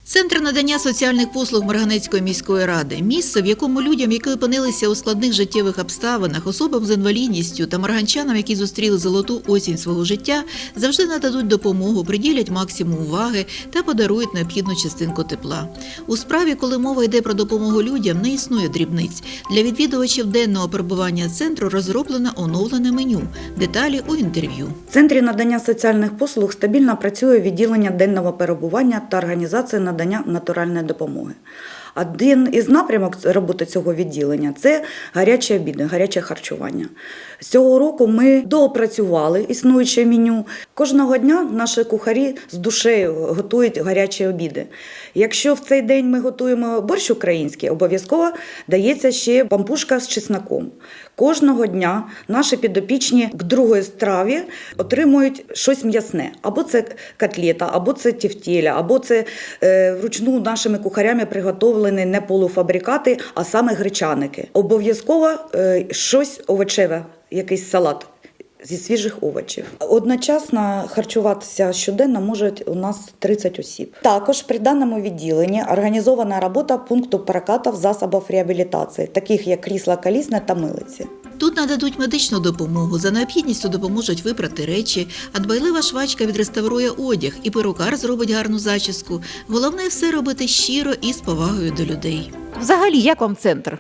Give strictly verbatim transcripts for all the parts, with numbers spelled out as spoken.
Центр надання соціальних послуг Марганецької міської ради – місце, в якому людям, які опинилися у складних життєвих обставинах, особам з інвалідністю та марганчанам, які зустріли золоту осінь свого життя, завжди нададуть допомогу, приділять максимум уваги та подарують необхідну частинку тепла. У справі, коли мова йде про допомогу людям, не існує дрібниць. Для відвідувачів денного перебування центру розроблено оновлене меню. Деталі у інтерв'ю. В Центрі надання соціальних послуг стабільно працює відділення денного перебування та організація надання натуральної допомоги. Один із напрямок роботи цього відділення – це гарячі обіди, гаряче харчування. З цього року ми доопрацювали існуюче меню. Кожного дня наші кухарі з душею готують гарячі обіди. Якщо в цей день ми готуємо борщ український, обов'язково дається ще пампушка з чесноком. Кожного дня наші підопічні к другої страві отримують щось м'ясне. Або це котлета, або це тефтеля, або це е, вручну нашими кухарями приготовлені не полуфабрикати, а саме гречаники. Обов'язково е, щось овочеве, якийсь салат зі свіжих овочів. Одночасно харчуватися щоденно можуть у нас тридцять осіб. Також при даному відділенні організована робота пункту прокату засобів реабілітації, таких як крісла колісне та милиці. Тут нададуть медичну допомогу, за необхідністю допоможуть випрати речі, а дбайлива швачка відреставрує одяг і перукар зробить гарну зачіску. Головне – все робити щиро і з повагою до людей. Взагалі, як вам центр?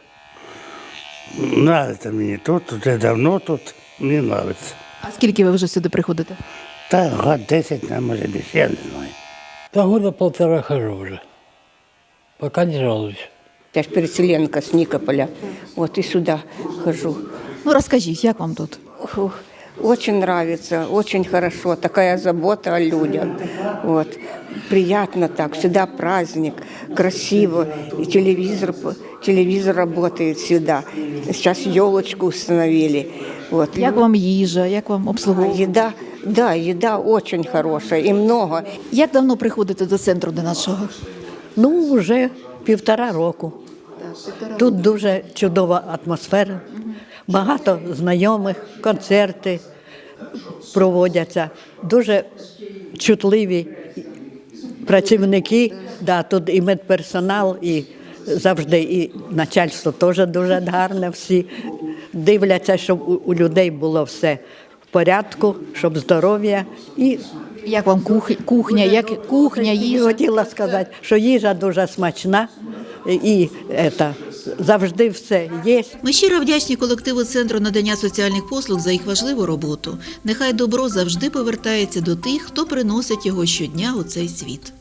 Нравится мені тут, вже давно тут, мені нравится. А скільки ви вже сюди приходите? Та год десять, а може більше, я не знаю. Да года полтора хожу уже. Пока не жалуюсь. Я ж переселенка с Никополя, вот и сюда хожу. Ну, розкажіть, як вам тут? Фух, очень нравится, очень хорошо, такая забота о людях. Вот. Приятно так, всегда праздник, красиво, и телевизор, телевизор работает всегда. Сейчас елочку установили. Вот. Як вам їжа, як вам обслуговування? Еда, да, еда очень хорошая и много. Як давно приходите до центру до нашого? Ну, вже півтора року. Тут дуже чудова атмосфера, багато знайомих, концерти проводяться, дуже чутливі працівники, да, тут і медперсонал, і завжди і начальство теж дуже гарне, всі дивляться, щоб у, у людей було все в порядку, щоб здоров'я і Як вам кух... кухня, як кухня, їжа? хотіла сказати, що їжа дуже смачна і ета, завжди все є. Ми щиро вдячні колективу Центру надання соціальних послуг за їх важливу роботу. Нехай добро завжди повертається до тих, хто приносить його щодня у цей світ.